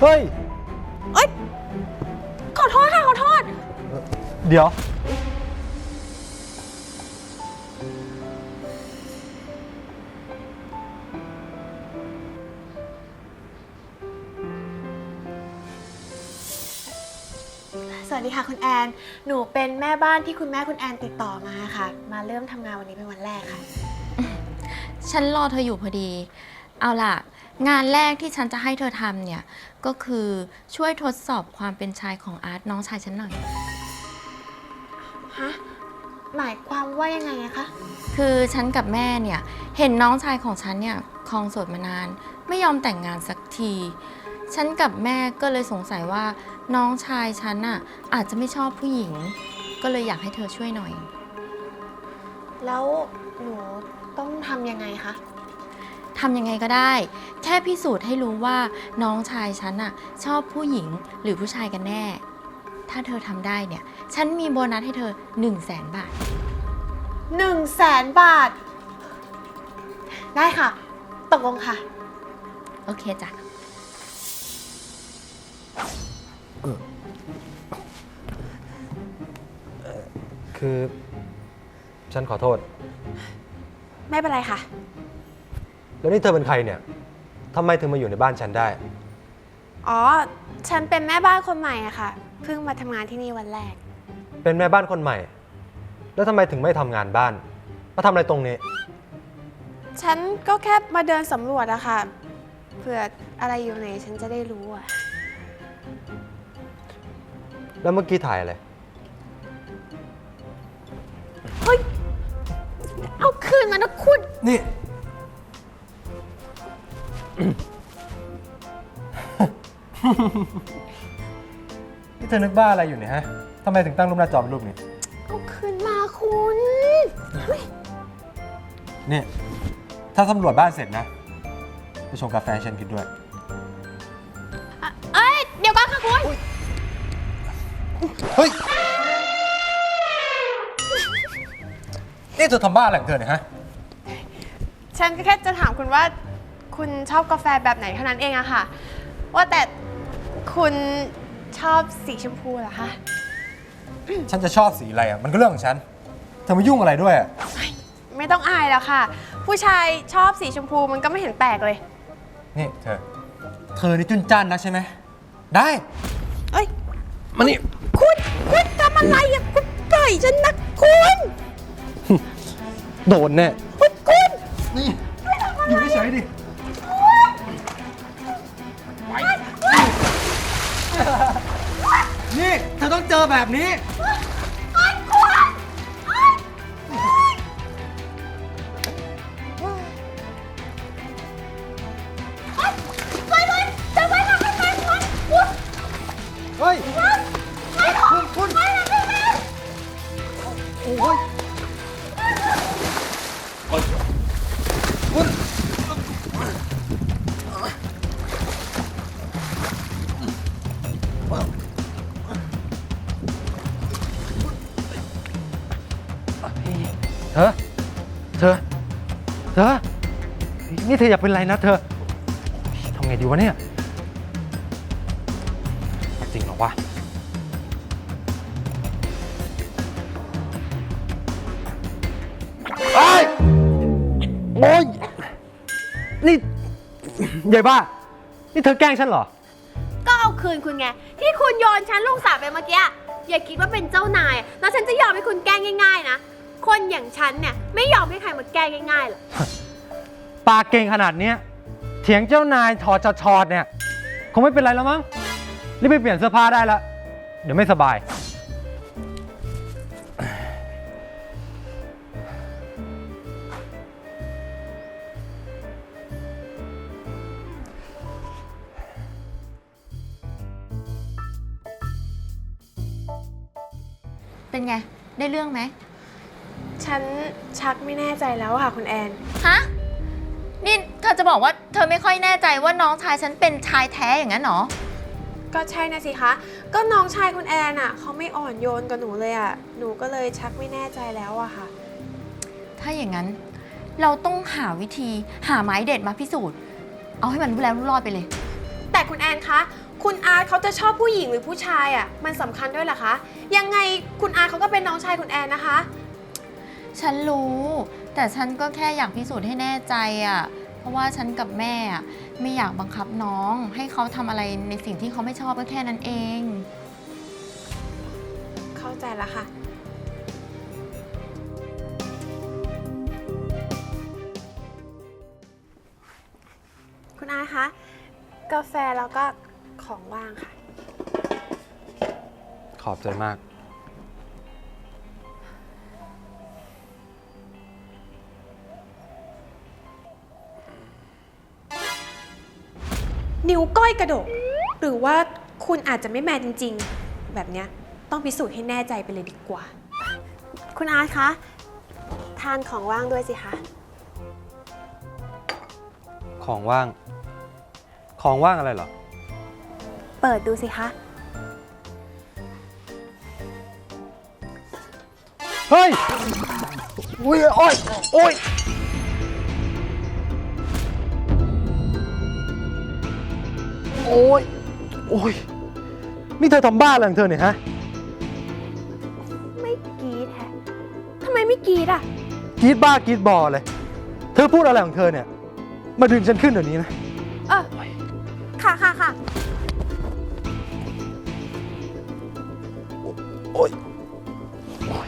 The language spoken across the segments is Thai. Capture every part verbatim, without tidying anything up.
ฮ้ยเอ้ยขอโทษค่ะขอโทษเดี๋ยวสวัสดีค่ะคุณแอนหนูเป็นแม่บ้านที่คุณแม่คุณแอนติดต่อมาค่ะมาเริ่มทำงานวันนี้เป็นวันแรกค่ะฉันรอเธออยู่พอดีเอาล่ะงานแรกที่ฉันจะให้เธอทำเนี่ยก็คือช่วยทดสอบความเป็นชายของอาร์ตน้องชายฉันหน่อยฮะหมายความว่ายังไงอะคะคือฉันกับแม่เนี่ยเห็นน้องชายของฉันเนี่ยครองโสดมานานไม่ยอมแต่งงานสักทีฉันกับแม่ก็เลยสงสัยว่าน้องชายฉันน่ะอาจจะไม่ชอบผู้หญิงก็เลยอยากให้เธอช่วยหน่อยแล้วหนูต้องทำยังไงคะทำยังไงก็ได้แค่พิสูจน์ให้รู้ว่าน้องชายฉันน่ะชอบผู้หญิงหรือผู้ชายกันแน่ถ้าเธอทำได้เนี่ยฉันมีโบนัสให้เธอหนึ่งแสนบาทหนึ่งแสนบาทได้ค่ะตกลงค่ะโอเคจ้ะคือฉันขอโทษไม่เป็นไรค่ะแล้วนี่เธอเป็นใครเนี่ยทำไมถึงมาอยู่ในบ้านฉันได้อ๋อฉันเป็นแม่บ้านคนใหม่อะค่ะเพิ่งมาทำงานที่นี่วันแรกเป็นแม่บ้านคนใหม่แล้วทำไมถึงไม่ทำงานบ้านมาทำอะไรตรงนี้ฉันก็แค่มาเดินสำรวจอะค่ะเผื่ออะไรอยู่ไหนฉันจะได้รู้อะแล้วเมื่อกี้ถ่ายอะไรเฮ้ยเอาคืนมานะคุณนี่ นี่เธอนึกบ้าอะไรอยู่เนี่ยฮะทำไมถึงตั้งรูปหน้าจอเป็นรูปนี้เอาคืนมาคุณนี่ถ้าสำรวจบ้านเสร็จนะไปชงกาแฟฉันกินด้วยเอ้ยเดี๋ยวก่อนค่ะคุณเฮ้ยนี่เธอทำบ้าอะไรของเธอเนี่ยฮะฉันก็แค่จะถามคุณว่าคุณชอบกาแฟแบบไหนเท่านั้นเองอะค่ะว่าแต่คุณชอบสีชมพูเหรอคะฉันจะชอบสีอะไรอ่ะมันก็เรื่องของฉันเธอมายุ่งอะไรด้วยอ่ะไม่ต้องอายแล้วค่ะผู้ชายชอบสีชมพูมันก็ไม่เห็นแปลกเลยนี่เธอเธอนี่จุนจ้านนะใช่ไหมได้เอ้ยมานี่คุณคุณทำอะไรอ่ะคุณปล่อยฉันนะคุณโดนแน่คุณคุณนี่อยู่เฉยๆดินี่เธอต้องเจอแบบนี้เฮ้ยคุณคุณโอ้ยคุณเธอเธอเธอนี่เธออยากเป็นไรนะเธอทำไงดีวะเนี่ยจริงเหรอวะไอ้โอ้ยนี่ใหญ่บ้านี่เธอแกล้งฉันเหรอก็เอาคืนคุณไงที่คุณโยนฉันลงสระไปเมื่อกี้อย่าคิดว่าเป็นเจ้านายแล้วฉันจะยอมให้คุณแกล้งง่ายๆนะคนอย่างฉันเนี่ยไม่ยอมให้ใครมาแกล้งง่ายๆหรอกปากเก่งขนาดนี้เถียงเจ้านายถอดจะชอดเนี่ยคงไม่เป็นไรแล้วมั้งรีบไปเปลี่ยนเสื้อผ้าได้แล้วเดี๋ยวไม่สบายเป็นไงได้เรื่องไหมฉันชักไม่แน่ใจแล้วค่ะคุณแอนฮะนี่เธอจะบอกว่าเธอไม่ค่อยแน่ใจว่าน้องชายฉันเป็นชายแท้อย่างนั้นหรอก็ใช่นะสิคะก็น้องชายคุณแอนอ่ะเขาไม่อ่อนโยนกับหนูเลยอ่ะหนูก็เลยชักไม่แน่ใจแล้วอะค่ะถ้าอย่างนั้นเราต้องหาวิธีหาไม้เด็ดมาพิสูจน์เอาให้มันรู้แล้วรู้รอดไปเลยแต่คุณแอนคะคุณอาร์ตเขาจะชอบผู้หญิงหรือผู้ชายอ่ะมันสำคัญด้วยเหรอคะยังไงคุณอาร์ตเขาก็เป็นน้องชายคุณแอนนะคะฉันรู้ แต่ฉันก็แค่อยากพิสูจน์ให้แน่ใจอะเพราะว่าฉันกับแม่อะไม่อยากบังคับน้อง ให้เขาทำอะไรในสิ่งที่เขาไม่ชอบก็แค่นั้นเองเข้าใจแล้วค่ะ คุณอาร์ตคะกาแฟแล้วก็ของว่างค่ะขอบใจมากนิ้วก้อยกระดก หรือว่าคุณอาจจะไม่แมนจริงๆ แบบเนี้ยต้องพิสูจน์ให้แน่ใจไปเลยดีกว่า คุณอาร์ตคะ ทานของว่างด้วยสิคะของว่าง ของว่างอะไรเหรอเปิดดูสิคะเฮ้ย อุ้ย โอ้ย โอ้ย โอ้ย โอ้ย นี่เธอทำบ้าอะไรของเธอเนี่ยฮะไม่กรีดแฮะทำไมไม่กรีดอ่ะกรีดบ้ากรีดบอเลย เธอพูดอะไรของเธอเนี่ย มาดึงฉันขึ้นเดี๋ยวนี้นะเออ ค่ะค่ะค่ะโอ้ย โอ้ย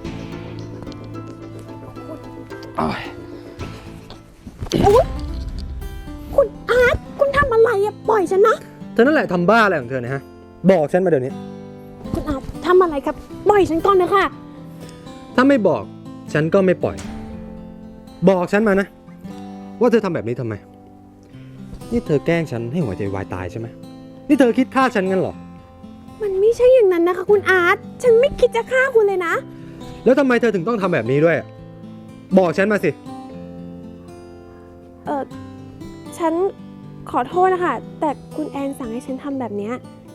โอ้ยอุ๊ยคุณอาร์ตคุณทำอะไรอะปล่อยฉันนะเธอนั่นแหละทำบ้าอะไรของเธอเนี่ยฮะ บอกฉันมาเดี๋ยวนี้คุณอาร์ตทำอะไรครับ ปล่อยฉันก่อนนะคะถ้าไม่บอกฉันก็ไม่ปล่อย บอกฉันมานะ ว่าเธอทำแบบนี้ทำไม นี่เธอแกล้งฉันให้หัวใจวายตายใช่ไหม นี่เธอคิดฆ่าฉันงั้นเหรอมันไม่ใช่อย่างนั้นนะคะ คุณอาร์ตฉันไม่คิดจะฆ่าคุณเลยนะแล้วทำไมเธอถึงต้องทำแบบนี้ด้วย บอกฉันมาสิเออฉันขอโทษนะคะ แต่คุณแอนสั่งให้ฉันทำแบบเนี้ย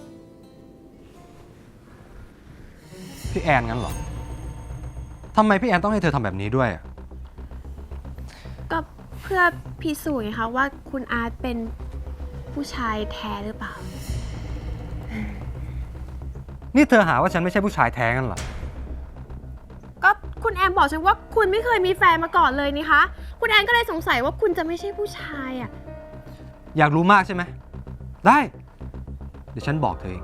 พี่แอนงั้นเหรอ ทำไมพี่แอนต้องให้เธอทำแบบนี้ด้วยก็เพื่อพิสูจน์ไงคะว่าคุณอาร์ตเป็นผู้ชายแท้หรือเปล่านี่เธอหาว่าฉันไม่ใช่ผู้ชายแท้งั้นเหรอก็คุณแอนบอกฉันว่าคุณไม่เคยมีแฟนมาก่อนเลยนี่คะ คุณแอนก็เลยสงสัยว่าคุณจะไม่ใช่ผู้ชายอ่ะอยากรู้มากใช่ไหม ได้ เดี๋ยวฉันบอกเธอเอง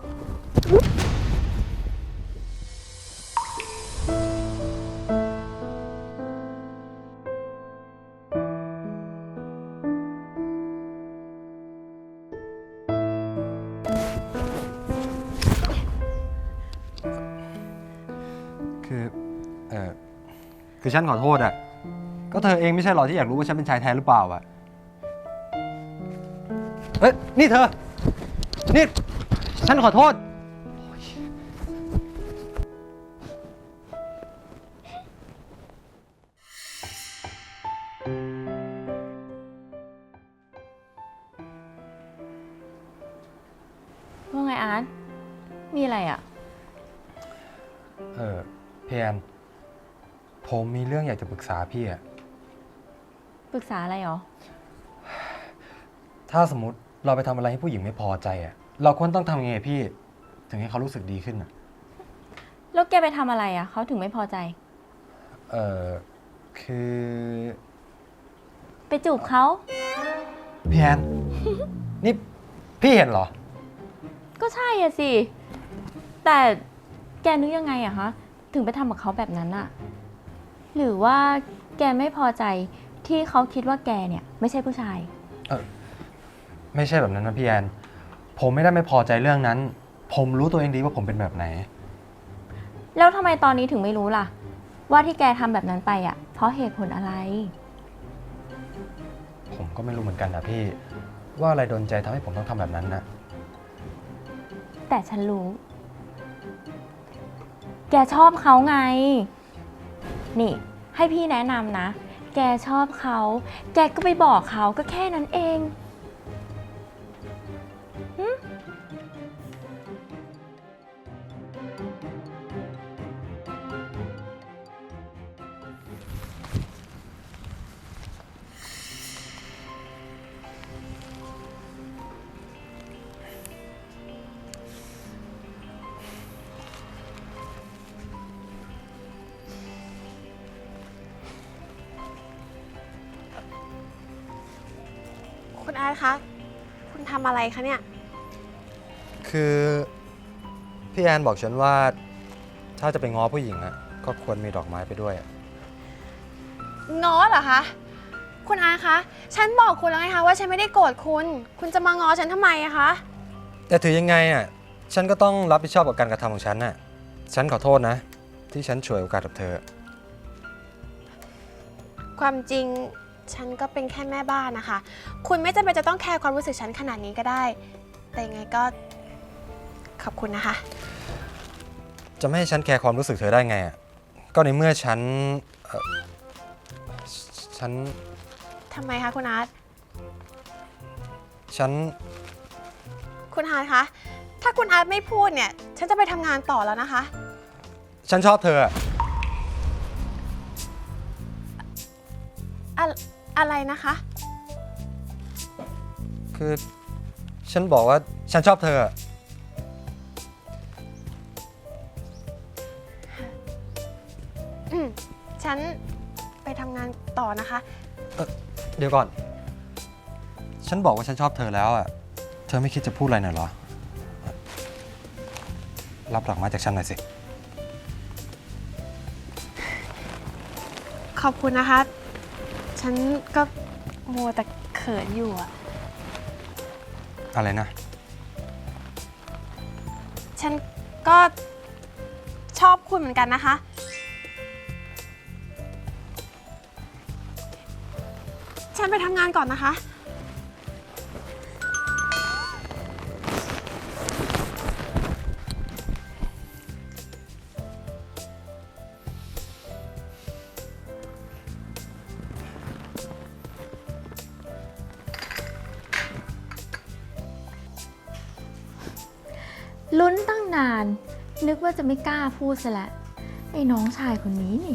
คือ เออคือฉันขอโทษอ่ะ ก็เธอเองไม่ใช่หรอที่อยากรู้ว่าฉันเป็นชายแท้หรือเปล่าอ่ะ เอ้ย นี่เธอ นี่ ฉันขอโทษว่าไงอาร์ต มีอะไรอะเออเพียนผมมีเรื่องอยากจะปรึกษาพี่อะปรึกษาอะไรหรอถ้าสมมติเราไปทำอะไรให้ผู้หญิงไม่พอใจอะเราควรต้องทำยังไงพี่ ถึงให้เขารู้สึกดีขึ้นอะแล้วแกไปทำอะไรอะเขาถึงไม่พอใจเออคือไปจูบเขาเพียน นี่พี่เห็นเหรอก็ใช่อะสิ แต่แกนึกยังไงอะคะ ถึงไปทำกับเขาแบบนั้นอะหรือว่าแกไม่พอใจที่เขาคิดว่าแกเนี่ยไม่ใช่ผู้ชายเออไม่ใช่แบบนั้นนะพี่แอน ผมไม่ได้ไม่พอใจเรื่องนั้น ผมรู้ตัวเองดีว่าผมเป็นแบบไหนแล้วทำไมตอนนี้ถึงไม่รู้ล่ะ ว่าที่แกทำแบบนั้นไปอะเพราะเหตุผลอะไรผมก็ไม่รู้เหมือนกันนะพี่ ว่าอะไรโดนใจทำให้ผมต้องทำแบบนั้นนะแต่ฉันรู้ แกชอบเขาไง นี่ ให้พี่แนะนำนะ แกชอบเขา แกก็ไปบอกเขาก็แค่นั้นเองหึคุณอาร์ตคะ คุณทำอะไรคะเนี่ยคือพี่แอนบอกฉันว่าถ้าจะไปง้อผู้หญิงอะก็ควรมีดอกไม้ไปด้วยอะง้อเหรอคะ คุณอาร์ตคะ ฉันบอกคุณแล้วไงคะว่าฉันไม่ได้โกรธคุณ คุณจะมาง้อฉันทำไมอะคะแต่ถือยังไงอะฉันก็ต้องรับผิดชอบกับการกระทำของฉันน่ะฉันขอโทษนะ ที่ฉันฉวยโอกาสกับเธอความจริงฉันก็เป็นแค่แม่บ้านนะคะ คุณไม่จำเป็นจะต้องแคร์ความรู้สึกฉันขนาดนี้ก็ได้ แต่ยังไงก็ขอบคุณนะคะจะไม่ให้ฉันแคร์ความรู้สึกเธอได้ไงอะก็ในเมื่อฉันเอ่อฉันทำไมคะคุณอาร์ตฉันคุณอาร์ตคะ ถ้าคุณอาร์ตไม่พูดเนี่ย ฉันจะไปทำงานต่อแล้วนะคะฉันชอบเธออะอะอะไรนะคะคือฉันบอกว่าฉันชอบเธออะอืมฉันไปทำงานต่อนะคะเอ่อเดี๋ยวก่อน ฉันบอกว่าฉันชอบเธอแล้วอะเธอไม่คิดจะพูดอะไรหน่อยเหรอ รับดอกไม้จากฉันหน่อยสิขอบคุณนะคะ ฉันก็มัวแต่เขินอยู่อะอะไรนะฉันก็ชอบคุณเหมือนกันนะคะ ฉันไปทำงานก่อนนะคะลุ้นตั้งนาน นึกว่าจะไม่กล้าพูดซะแล้วไอ้น้องชายคนนี้นี่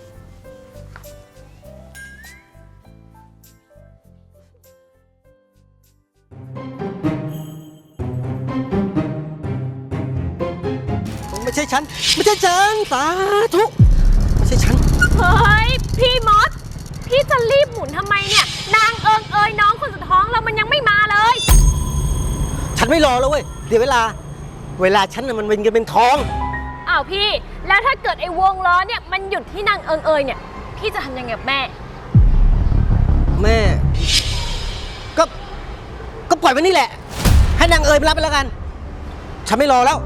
ไม่ใช่ฉัน ไม่ใช่ฉัน สาธุ ไม่ใช่ฉันเฮ้ย พี่มด พี่จะรีบหมุนทำไมเนี่ย นางเอิงเอยน้องคนสุดท้องเรามันยังไม่มาเลยฉันไม่รอแล้วเว้ย เดี๋ยวเวลา เวลาฉันน่ะมันเป็นเงินเป็นทองอ้าวพี่ แล้วถ้าเกิดไอ้วงล้อเนี่ยมันหยุดที่นางเอิงเอยเนี่ย พี่จะทำยังไงกับแม่แม่ ก็ ก็ปล่อยไว้นี่แหละ ให้นางเอ๋ยไปรับไปแล้วกัน ฉันไม่รอแล้ว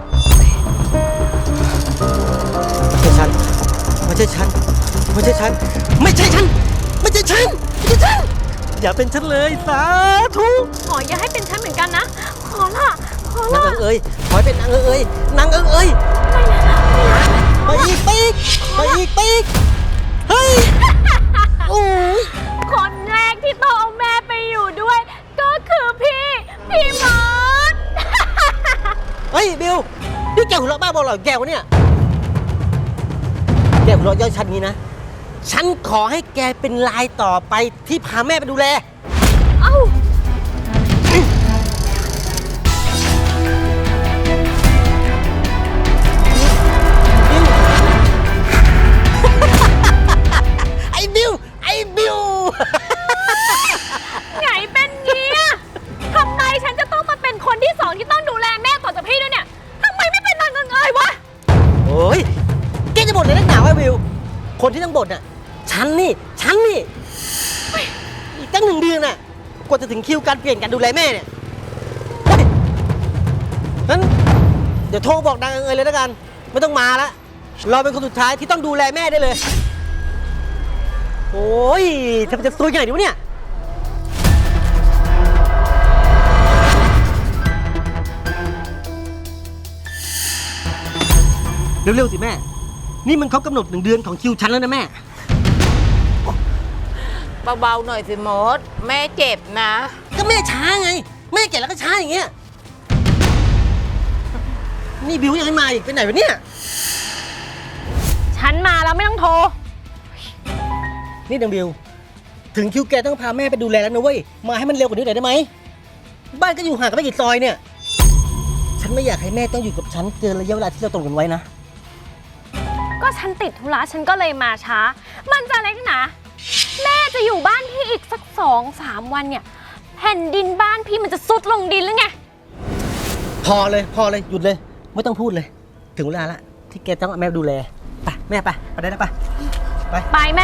ไม่ใช่ฉัน ไม่ใช่ฉัน ไม่ใช่ฉัน ไม่ใช่ฉัน ไม่ใช่ฉัน ไม่ใช่ฉัน อย่าเป็นฉันเลย สาธุขออย่าให้เป็นฉันเหมือนกันนะ ขอละขอนางละเอ๋ยขอให้เป็นนางเอ๋ยนางเอ๋ยไปอีกไปอีกไปอีกไปอีกเฮ้ย โอ้ยคนแรกที่ต้องเอาแม่ไปอยู่ด้วย ก็คือพี่ พี่มดเฮ้ยบิวนี่แกหัวเราะบ้าบอเหรอแกวะเนี่ย แกหัวเราะเย่อฉันนี้นะ ฉันขอให้แกเป็นลายต่อไปที่พาแม่ไปดูแลเอ้าไอ้บิว ไอ้บิวไงเป็นเงี้ยทำไมฉันจะต้องมาเป็นคนที่สองที่ต้องดูแลแม่ต่อจากพี่ด้วยเนี่ยทำไมไม่เป็นนางเอิงเอยวะโอ้ยแกจะบ่นอะไรนักหนาวะบิว คนที่ต้องบ่นน่ะ ฉันนี่ ฉันนี่อีกตั้งหนึ่งเดือนน่ะ กว่าจะถึงคิวการเปลี่ยนการดูแลแม่เนี่ยเฮ้ยงั้นเดี๋ยวโทรบอกนางเอ๋ยเลยแล้วกัน ไม่ต้องมาละเราเป็นคนสุดท้ายที่ต้องดูแลแม่ได้เลย โอ้ยทำไมจะซวยขนาดนี้วะเนี่ย เร็วๆสิแม่ นี่มันครบกำหนดหนึ่งเดือนของคิวฉันแล้วนะแม่เบาๆหน่อยสิมด แม่เจ็บนะก็แม่ช้าไง แม่แก่แล้วก็ช้าอย่างเงี้ย นี่บิวยังไม่มาอีกไปไหนวะเนี่ยฉันมาแล้วไม่ต้องโทรนี่ดังบิว ถึงคิวแกต้องพาแม่ไปดูแลแล้วนะเว้ย มาให้มันเร็วกว่านี้หน่อยได้ไหม บ้านก็อยู่ห่างกันไม่กี่ซอยเนี่ย ฉันไม่อยากให้แม่ต้องอยู่กับฉันเกินระยะเวลาที่เราตกลงกันไว้นะก็ฉันติดธุระฉันก็เลยมาช้า มันจะเล็กหนาแม่จะอยู่บ้านพี่อีกสักสองสามวันเนี่ยแผ่นดินบ้านพี่มันจะซุดลงดินหรือไงพอเลยพอเลยหยุดเลย ไม่ต้องพูดเลย ถึงเวลาละที่แกต้องเอาแม่ดูแลไปแม่ไปไปได้แล้วไปไปไปแม่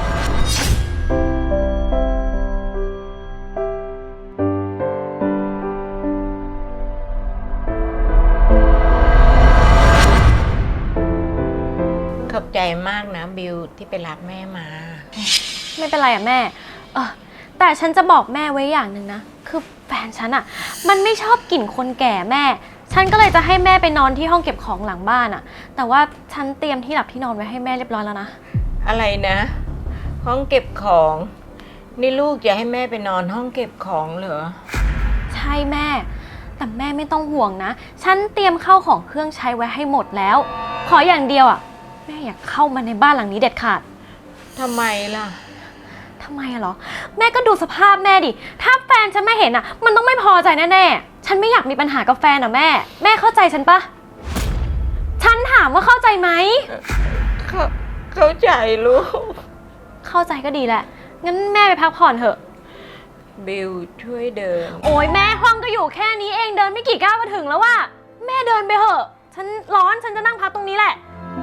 ขอบใจมากนะบิวที่ไปรับแม่มาไม่เป็นไรอะแม่เออแต่ฉันจะบอกแม่ไว้อย่างหนึ่งนะ คือแฟนฉันอะมันไม่ชอบกลิ่นคนแก่แม่ ฉันก็เลยจะให้แม่ไปนอนที่ห้องเก็บของหลังบ้านอะแต่ว่าฉันเตรียมที่หลับที่นอนไว้ให้แม่เรียบร้อยแล้วนะอะไรนะ ห้องเก็บของ นี่ลูกจะให้แม่ไปนอนห้องเก็บของเหรอใช่แม่ แต่แม่ไม่ต้องห่วงนะ ฉันเตรียมเข้าของเครื่องใช้ไว้ให้หมดแล้ว ขออย่างเดียวอะแม่อยากเข้ามาในบ้านหลังนี้เด็ดขาดทำไมล่ะทำไมอะเหรอ แม่ก็ดูสภาพแม่ดิ ถ้าแฟนฉันไม่เห็นอะมันต้องไม่พอใจแน่ๆ ฉันไม่อยากมีปัญหากับแฟนอะแม่ แม่เข้าใจฉันปะ ฉันถามว่าเข้าใจไหมเข้าเข้าใจลูกเข้าใจก็ดีแหละ งั้นแม่ไปพักผ่อนเถอะบิวช่วยเดินโอ้ยแม่ห้องก็อยู่แค่นี้เองเดินไม่กี่ก้าวก็ถึงแล้วว่ะ แม่เดินไปเถอะ ฉันร้อนฉันจะนั่งพักตรงนี้แหละ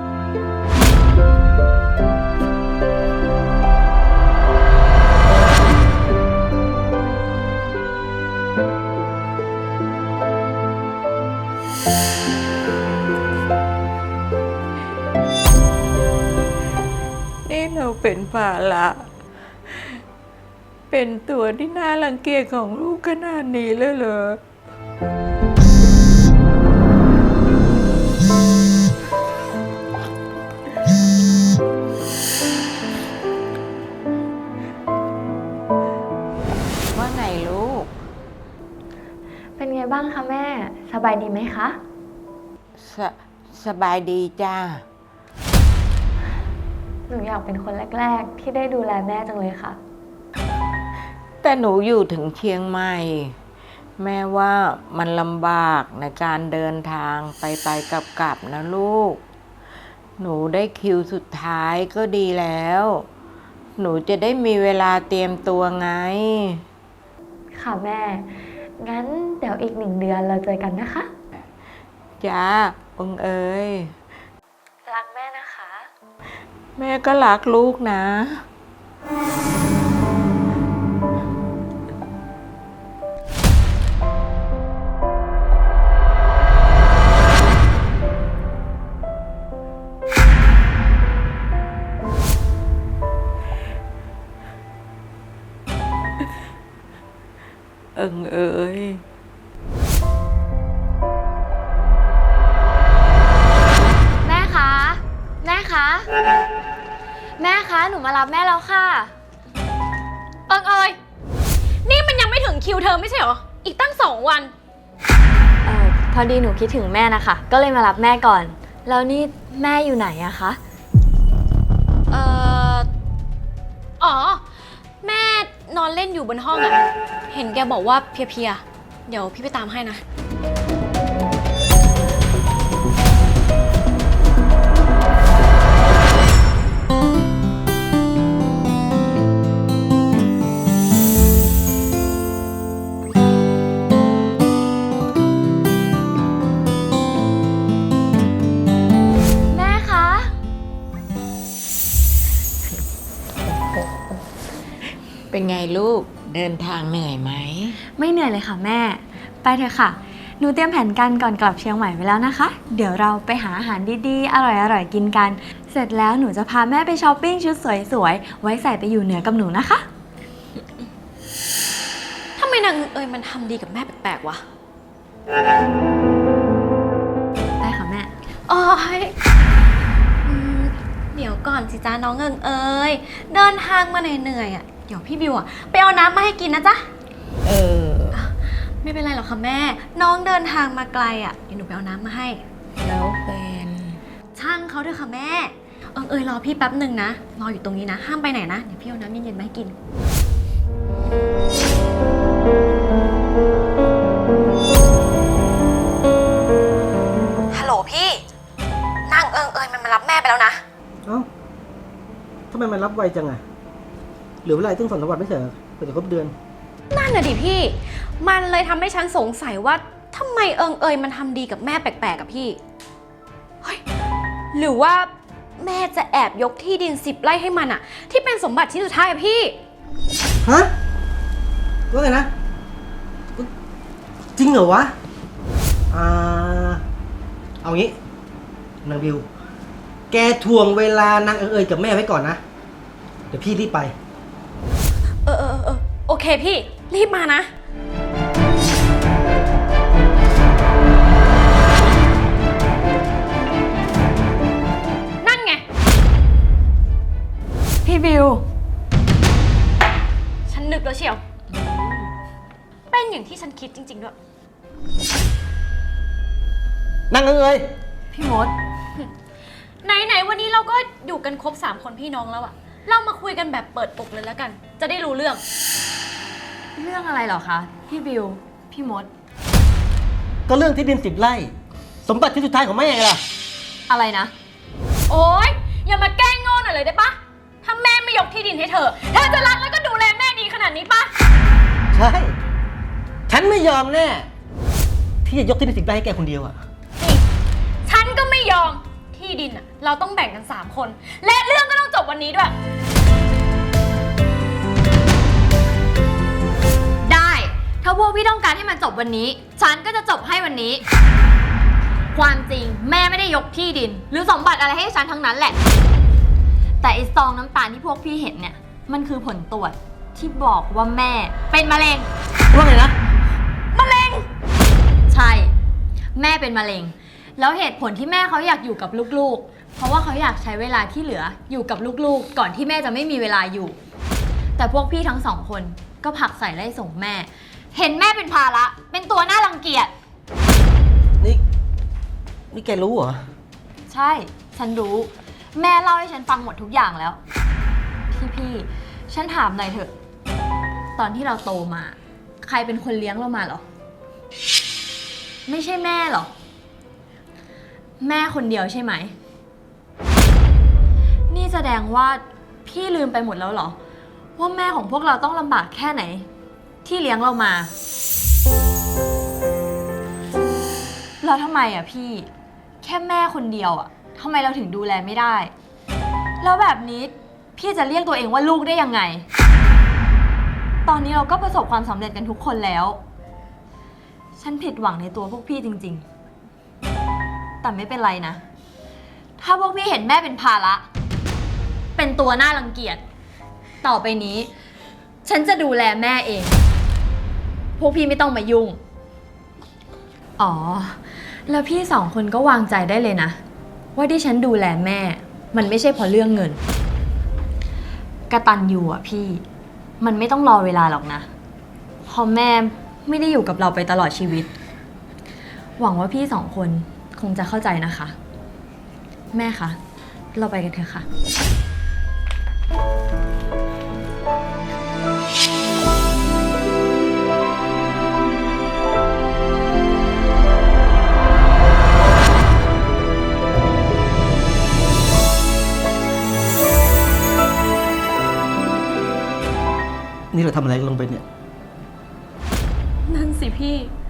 นี่เราเป็นภาระเป็นตัวที่น่ารังเกียจของลูกขนาดนี้เลยเหรอ ว่าไงลูกเป็นไงบ้างคะแม่ สบายดีไหมคะสสบายดีจ้าหนูอยากเป็นคนแรกๆ ที่ได้ดูแลแม่จังเลยค่ะแต่หนูอยู่ถึงเชียงใหม่ แม่ว่ามันลำบากในการเดินทางไปไปกลับกลับนะลูก หนูได้คิวสุดท้ายก็ดีแล้ว หนูจะได้มีเวลาเตรียมตัวไงค่ะแม่ งั้นเดี๋ยวอีกหนึ่งเดือนเราเจอกันนะคะจ้าองเอ๋ยรักแม่นะคะแม่ก็รักลูกนะ เอิงเอ๋ยแม่คะ แม่คะ แม่คะ หนูมารับแม่แล้วค่ะเอิงเอยนี่มันยังไม่ถึงคิวเธอไม่ใช่เหรอ อีกตั้งสองวันเอ่อ พอดีหนูคิดถึงแม่นะคะ ก็เลยมารับแม่ก่อน แล้วนี่แม่อยู่ไหนอะคะเอ่อ อ๋อ แม่นอนเล่นอยู่บนห้องอะเห็นแกบอกว่าเพลียๆ เดี๋ยวพี่ไปตามให้นะแม่คะเป็นไงลูกเดินทางเหนื่อยไหมไม่เหนื่อยเลยค่ะแม่ ไปเถอะค่ะ หนูเตรียมแผนการก่อนกลับเชียงใหม่ไว้แล้วนะคะ เดี๋ยวเราไปหาอาหารดีๆ อร่อยๆ กินกัน เสร็จแล้วหนูจะพาแม่ไปช้อปปิ้งชุดสวยๆ ไว้ใส่ไปอยู่เหนือกับหนูนะคะทำไมนางเอยมันทำดีกับแม่แปลกๆวะไปค่ะแม่โอ้ยอืมเดี๋ยวก่อนสิจ้าน้องเอิงเอยเดินทางมาเหนื่อยๆอ่ะ เดี๋ยวพี่บิวอ่ะไปเอาน้ำมาให้กินนะจ๊ะเออไม่เป็นไรหรอกค่ะแม่ น้องเดินทางมาไกลอ่ะ เดี๋ยวหนูไปเอาน้ำมาให้แล้วเป็นช่างเขาเถอะค่ะแม่ เอิงเอยรอพี่แป๊บหนึ่งนะ รออยู่ตรงนี้นะ ห้ามไปไหนนะ เดี๋ยวพี่เอาน้ำเย็นๆมาให้กิน ฮัลโหลพี่ นางเอิงเอยมันมารับแม่ไปแล้วนะเอ้าทำไมมันรับไวจังอะเหลือเวลาอีกตั้งสองสามวันไม่ใช่เหรอเพื่อจะครบเดือนนั่นน่ะดิพี่ มันเลยทำให้ฉันสงสัยว่าทำไมเอิงเอยมันทำดีกับแม่แปลกๆกับพี่ เฮ้ย หรือว่าแม่จะแอบยกที่ดินสิบไร่ให้มันอะที่เป็นสมบัติชิ้นสุดท้ายอะพี่ฮะว่าไงนะ จริงเหรอวะ อ่า เอางี้นางบิว แกทวงเวลานางเอิงเอยกับแม่ไว้ก่อนนะ เดี๋ยวพี่รีบไปเออเออเออโอเคพี่ รีบมานะ นั่นไงพี่บิวฉันนึกแล้วเชียว เป็นอย่างที่ฉันคิดจริงๆด้วยนางเอิงเอยพี่มดไหนๆวันนี้เราก็อยู่กันครบสามคนพี่น้องแล้วอะเรามาคุยกันแบบเปิดอกเลยแล้วกัน จะได้รู้เรื่องเรื่องอะไรเหรอคะ พี่บิว พี่มดก็เรื่องที่ดินสิบไร่ สมบัติที่สุดท้ายของแม่ไงล่ะอะไรนะโอ๊ย อย่ามาแกล้งโง่หน่อยเลยได้ปะถ้าแม่ไม่ยกที่ดินให้เธอ เธอจะรักแล้วก็ดูแลแม่ดีขนาดนี้ปะใช่ ฉันไม่ยอมแน่ ที่จะยกที่ดินสิบไร่ให้แกคนเดียวอะนี่ฉันก็ไม่ยอม ที่ดินอะเราต้องแบ่งกันสามคน และเรื่องก็ต้องจบวันนี้ด้วยได้ ถ้าพวกพี่ต้องการให้มันจบวันนี้ ฉันก็จะจบให้วันนี้ ความจริงแม่ไม่ได้ยกที่ดิน หรือสมบัติอะไรให้ฉันทั้งนั้นแหละ แต่ไอ้ซองน้ำตาลที่พวกพี่เห็นเนี่ย มันคือผลตรวจที่บอกว่าแม่เป็นมะเร็งว่าไงนะมะเร็ง ใช่ แม่เป็นมะเร็ง แล้วเหตุผลที่แม่เขาอยากอยู่กับลูกๆ เพราะว่าเขาอยากใช้เวลาที่เหลืออยู่กับลูกๆ ก่อนที่แม่จะไม่มีเวลาอยู่ แต่พวกพี่ทั้งสองคนก็ผลักใส่ไล่ส่งแม่ เห็นแม่เป็นภาระเป็นตัวน่ารังเกียจนี่ นี่แกรู้เหรอใช่ ฉันรู้ แม่เล่าให้ฉันฟังหมดทุกอย่างแล้ว พี่พี่ฉันถามหน่อยเถอะ ตอนที่เราโตมา ใครเป็นคนเลี้ยงเรามาเหรอ ไม่ใช่แม่หรอ แม่คนเดียวใช่ไหม นี่แสดงว่าพี่ลืมไปหมดแล้วเหรอ ว่าแม่ของพวกเราต้องลำบากแค่ไหน ที่เลี้ยงเรามา แล้วทำไมอ่ะพี่ แค่แม่คนเดียวอ่ะทำไมเราถึงดูแลไม่ได้ แล้วแบบนี้พี่จะเรียกตัวเองว่าลูกได้ยังไง ตอนนี้เราก็ประสบความสำเร็จกันทุกคนแล้ว ฉันผิดหวังในตัวพวกพี่จริงๆ แต่ไม่เป็นไรนะ ถ้าพวกพี่เห็นแม่เป็นภาระ เป็นตัวน่ารังเกียจ ต่อไปนี้ ฉันจะดูแลแม่เอง พวกพี่ไม่ต้องมายุ่ง อ๋อ แล้วพี่สองคนก็วางใจได้เลยนะ ว่าที่ฉันดูแลแม่ มันไม่ใช่เพราะเรื่องเงิน กตัญญูอ่ะพี่ มันไม่ต้องรอเวลาหรอกนะ เพราะแม่ไม่ได้อยู่กับเราไปตลอดชีวิต หวังว่าพี่สองคนคงจะเข้าใจนะคะ แม่คะ เราไปกันเถอะค่ะนี่เราทำอะไรลงไปเนี่ยนั่นสิพี่